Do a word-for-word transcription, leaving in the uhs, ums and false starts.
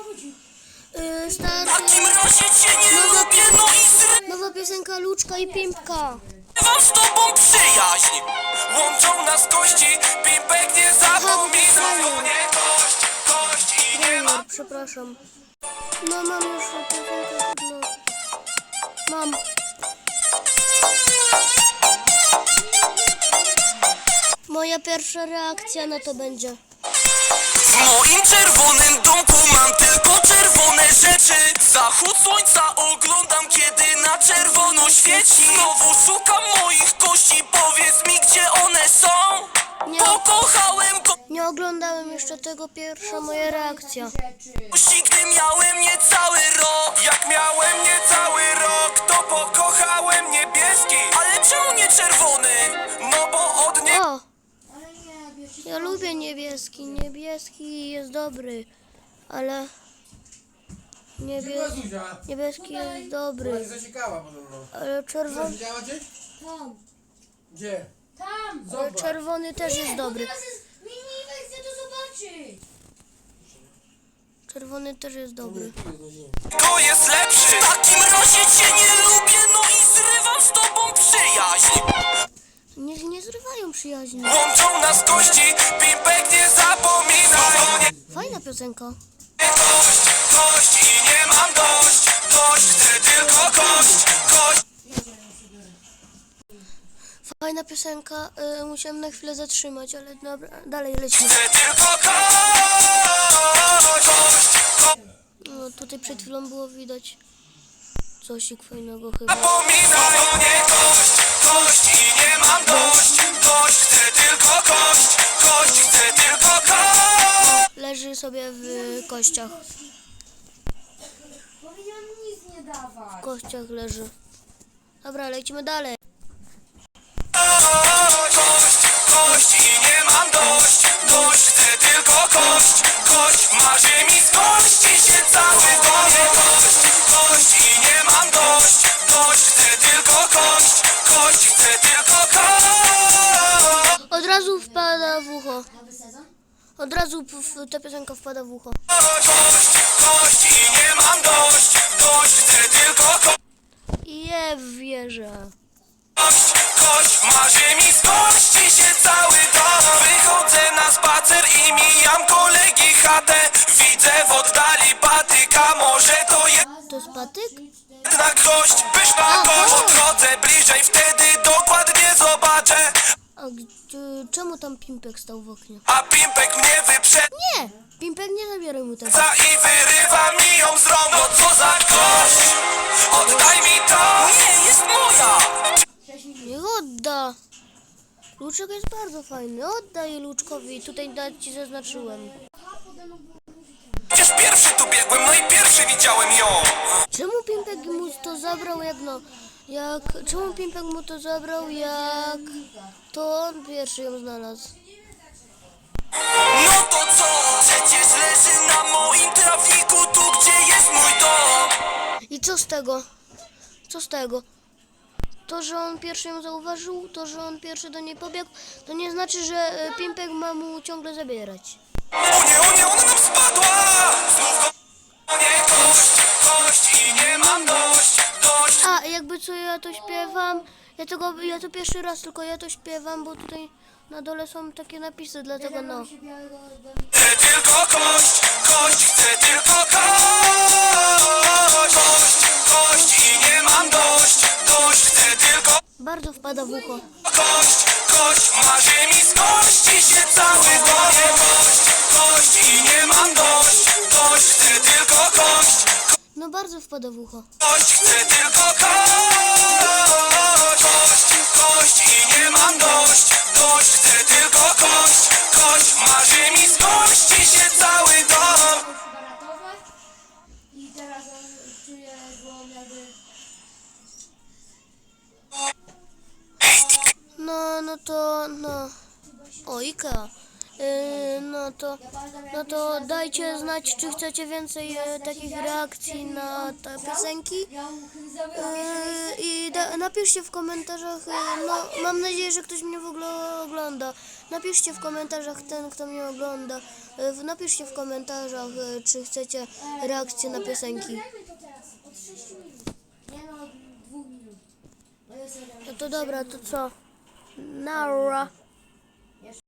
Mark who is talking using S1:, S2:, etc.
S1: Yy, starszy...
S2: takim razie cię nie
S1: Nowa,
S2: lubię, no i zrywam
S1: nowa piosenka Luczka i Pimpka.
S2: z tobą przyjaźń. Łączą nas kości, Pimpek nie zapomina. No nie kość, kość i nie ma.
S1: Junior, przepraszam. No mam już piosenkę, no. Mam. Moja pierwsza reakcja na to będzie.
S2: W moim czerwonym domku mam tylko czerwone rzeczy. Zachód słońca oglądam, kiedy na czerwono świeci. Znowu szukam moich kości, powiedz mi, gdzie one są.
S1: Nie,
S2: Pokochałem
S1: nie oglądałem jeszcze tego, pierwsza moja reakcja.
S2: kości, gdy miałem niecały rok. Jak miałem niecały rok, to pokochałem niebieski. Ale czemu nie czerwony? No bo od nie...
S1: O! Ja lubię niebieski, niebieski jest dobry, ale niebie...
S3: Zuzia,
S1: niebieski jest
S3: ona
S1: dobry,
S3: się zasiekała podobno.
S1: ale czerwony,
S3: Widziała cię?
S4: Tam,
S3: Gdzie?
S4: tam!
S1: ale
S3: Zobacz.
S1: czerwony też jest dobry.
S4: Teraz jest mini, chcę to zobaczyć!
S1: Czerwony też jest dobry.
S2: To jest lepszy. W takim razie cię nie lubię, no i zrywam z tobą przyjaźń.
S1: Nie, nie zrywają przyjaźni.
S2: Łączą nas kości, Pimpek nie zapomina. No nie
S1: Fajna piosenka.
S2: kość, kość i nie mam dość. Dość, chcę tylko kość, kość.
S1: Fajna piosenka, y, musiałem na chwilę zatrzymać, ale dobra, dalej lecimy.
S2: Chcę tylko kość, kość, kość.
S1: No, tutaj przed chwilą było widać cosik fajnego chyba.
S2: Zapomina, no nie kość, kość i nie mam dość. Dość, chcę tylko kość, kość, chcę tylko kość.
S1: Leży sobie w kościach.
S4: Powiedziałam nic nie dawać.
S1: W kościach leży. Dobra, lecimy dalej.
S2: Kość, kość i nie mam dość. Dość, chcę tylko kość, kość. Marzy mi z kości się cały dom. Kość, kość i nie mam dość. Dość, chcę tylko kość, kość. Chcę tylko kość.
S1: Od razu wpada w ucho.
S4: Nowy sezon?
S1: Od razu p- w- ta piosenka wpada w ucho.
S2: Kość, kość i nie mam dość. Dość, chcę tylko kość.
S1: I je wierzę.
S2: Kość, kość, marzy mi z kości się cały dom. Wychodzę na spacer i mijam kolegi chatę. Widzę w oddali patyka, może to
S1: To jest patyk?
S2: jedna kość, pyszna kość. Podchodzę bliżej, wtedy dokładnie zobaczę.
S1: A gdzie, czemu tam Pimpek stał w oknie?
S2: A Pimpek mnie wyprzedza
S1: Nie! Pimpek nie zabieraj mu tego.
S2: i wyrywa mi ją z rąk. No co za kość, oddaj mi to. Nie, jest moja.
S1: Niech odda! Luczek jest bardzo fajny. Oddaj Luczkowi. Tutaj nawet ci zaznaczyłem.
S2: Przecież pierwszy tu biegłem, no i pierwszy widziałem ją.
S1: Czemu Pimpek mu to zabrał jak no... Jak... Czemu Pimpek mu to zabrał jak... To on pierwszy ją znalazł.
S2: No to co? Przecież leży na moim trawniku, tu gdzie jest mój dom.
S1: I co z tego? Co z tego? To, że on pierwszy ją zauważył, to, że on pierwszy do niej pobiegł, to nie znaczy, że e, Pimpek ma mu ciągle zabierać.
S2: O nie, o nie, ona nam spadła. Znów go... O nie, kość, kość i nie mam dość. Dość,
S1: A, jakby co ja to śpiewam, ja tego, ja to pierwszy raz tylko ja to śpiewam, bo tutaj na dole są takie napisy, dlatego no.
S4: Się białego
S2: chcę tylko kość, kość, chcę tylko kość. Kość, kość i nie mam dość. Dość, chcę tylko
S1: Bardzo wpada w ucho.
S2: kość, kość. Marzy mi z kości się cały dom. Kość, kość i nie mam dość. Dość, chcę tylko kość.
S1: No bardzo wpada w ucho.
S2: Kość, chcę tylko kość. Kość, kość i nie mam dość. Dość, chcę tylko kość. Kość, marzy mi z kości się cały dom.
S4: chyba ratować. I teraz on czuje, bo jakby...
S1: No, no to, no. O, Ikea. Yy, no to,
S4: Ja pamiętam, jak
S1: no
S4: pierwszy
S1: to
S4: raz
S1: dajcie
S4: zagrałem
S1: znać, czy
S4: w
S1: chcecie więcej
S4: Ja
S1: e,
S4: z
S1: takich
S4: takim
S1: reakcji
S4: dziadkiem
S1: na te
S4: grał.
S1: piosenki.
S4: Ja mu zabrałem
S1: Yy, I da, napiszcie w komentarzach, yy, no mam nadzieję, że ktoś mnie w ogóle ogląda. Napiszcie w komentarzach ten, kto mnie ogląda. Yy, napiszcie w komentarzach, yy, czy chcecie reakcję na piosenki.
S4: Nagrajmy to teraz, od sześciu minut. Nie no, od dwóch minut. No jest jeden.
S1: No to dobra, to co? Nara.